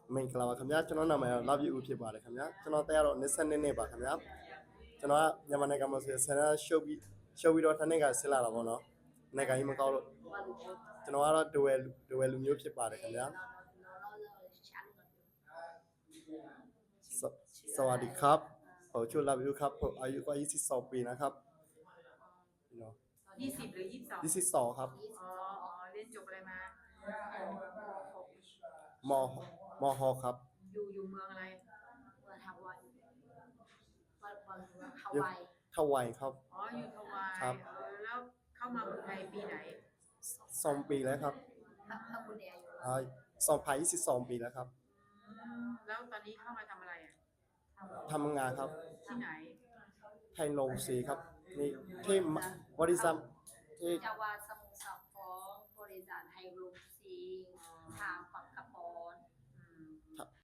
မင်္ဂလာပါခင်ဗျာကျွန်တော်နာမည် Love You ဖြစ်ပါတယ်ခင်ဗျာကျွန်တော်တက်ရတော့22နှစ်ပါခင်ဗျာကျွန်တော်ကမြန်မာနိုင်ငံမှာဆိုဆန္ဒရှုပ်ပြီးတော့တစ်နှစ်ကဆင်းလာတာပေါ့နော်နိုင်ငံကြီးမကောက်လို့ကျွန်တော်ကတော့ဒဝယ်လူမျိုးဖြစ်ပါတယ်ခင်ဗျာสวัสดีครับผมชื่อ Love You ครับผมอายุก็22ปีนะครับเนาะ 20หรือ22 22ครับอ๋อเรียนจบอะไรมามมหครับอยู่เมืองอะไรเมืองฮาวายทวายครับอ๋ออยู่ฮาวายครับแล้วเข้ามาเมืองไทยปีไหน 2ปีแล้วครับถ้าคุณเนี่ยอยู่ 2022ปีแล้วครับแล้วตอนนี้เข้ามาทำอะไรอ่ะทำงานครับที่ไหนไทยโรงสีครับนี่ที่บริษัทที่จังหวัดสมุทรสาครบริษัทไฮโลซีทางฝั่งกระปอน